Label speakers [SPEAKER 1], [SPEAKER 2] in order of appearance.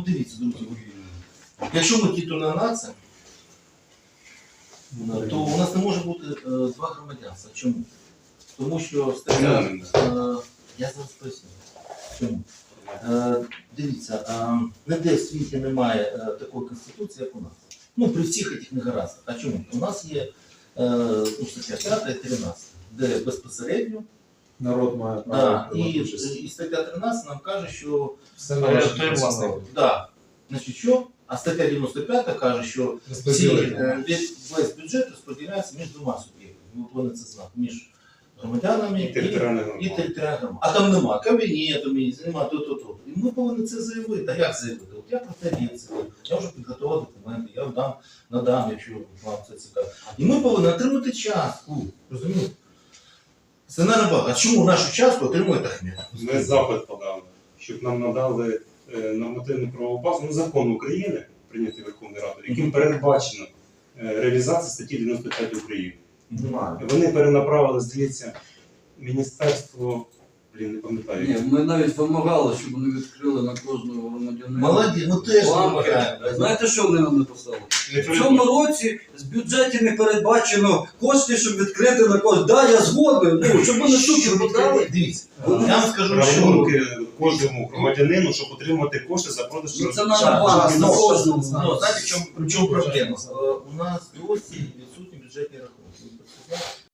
[SPEAKER 1] дивіться, друзі, якщо ми титульна нація, то у нас не може бути два громадянства. Чому? Тому що стаття... Я зараз поясню. Чому? Дивіться, ніде в світі немає такої конституції, як у нас. Ну, при всіх цих негараздах. А чому? У нас є стаття 5 і 13, де безпосередньо
[SPEAKER 2] народ має право.
[SPEAKER 1] І стаття 13 нам каже, що
[SPEAKER 2] все належить власне.
[SPEAKER 1] Да. Значить, що? А стаття 95 каже, що весь бюджет розподіляється між двома суб'єктами. Ми повинні це знати. Між громадянами і територіальними громадами. А там нема кабінету, нема то. І ми повинні це заявити. А як заявити? От я про це вірю. Я вже підготував документи, я надам, якщо вам це цікаво. І ми повинні отримати частку. Розумієте? Це не набагато. А чому нашу частку отримує Ахметов?
[SPEAKER 3] Ми запит подали, щоб нам надали нормативну правову базу, закон України, прийнятий Верховною Радою, яким передбачено реалізація статті 95 України. Вони перенаправили, здається, міністерство, не пам'ятаю.
[SPEAKER 4] Ні, ми навіть вимагали, щоб вони відкрили на кожного громадянина.
[SPEAKER 1] Молоді, ми теж вимагаємо.
[SPEAKER 4] Знаєте, що вони нам написали? В цьому році з бюджеті не передбачено кошти, щоб відкрити на кожного. Да, я згоден, щоб вони супер відкрили.
[SPEAKER 1] Дивіться, я вам скажу, що...
[SPEAKER 3] Рахунки кожному громадянину, щоб отримати кошти за продаж.
[SPEAKER 4] Ну це на банк, на кожному.
[SPEAKER 1] Знаєте, в чому проблема? У нас досі